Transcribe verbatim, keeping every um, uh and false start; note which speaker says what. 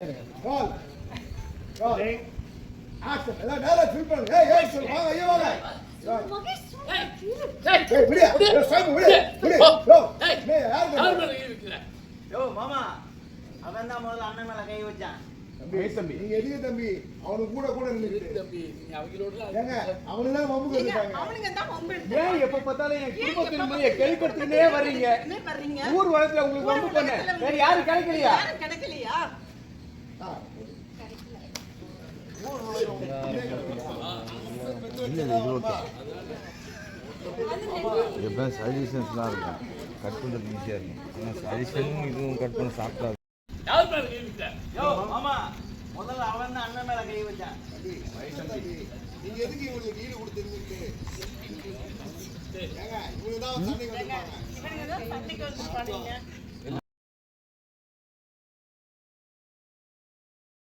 Speaker 1: Roll. Roll. Action. எல்லாம் நேரா fill பண்ணுங்க. ஏய் ஏய் சொல் வாங்க ஐயா வாங்க. ஏய் ஏய் விடு. ஏய் சாமி விடு. விடு. யோ. ஏய் நீ யார் இருக்கற?
Speaker 2: யோ மாமா அவன் தான் முதல்ல அண்ணன் மேல கை வச்சான்.
Speaker 1: தம்பி தம்பி நீங்க எதிர தம்பி அவனு கூட கூட நின்னுட்டு
Speaker 3: தம்பி நீங்க அவங்களோட
Speaker 1: ஏங்க அவனுங்க தான் வம்பு கட்டுறாங்க.
Speaker 4: அவனுங்க தான் வம்பு எடுத்து.
Speaker 3: ஏன் எப்ப பார்த்தாலும் என் குடும்பத்தின் மேல கேள்விப்பட்டுனே வர்றீங்க.
Speaker 4: என்ன பண்றீங்க?
Speaker 3: ஊர் வளத்துல உங்களுக்கு வம்பு பண்ண. வேற யாரும் கிடைக்கலையா?
Speaker 4: யாரும் கிடைக்கலையா?
Speaker 5: எப்போ சஜஷன்ஸ்லாம் இருக்கும் கட் பண்ணுறது ஈஸியாக இருக்கும் ஆனால் சஜஷனும் இதுவும் கட் பண்ண சாப்பிட்டா
Speaker 2: யோ மாமா முதல்ல அவன் தான் அண்ணன் மேல கை வச்சான்.
Speaker 1: நீங்க எதுக்கு இவங்களுக்கு ஈடு கொடுத்துருக்கீங்க? ஏங்க இவங்க தான் சண்டைக்கு வந்தாங்க.
Speaker 4: இவனுங்க தான் சண்டைக்கு வந்துட்டானுங்க.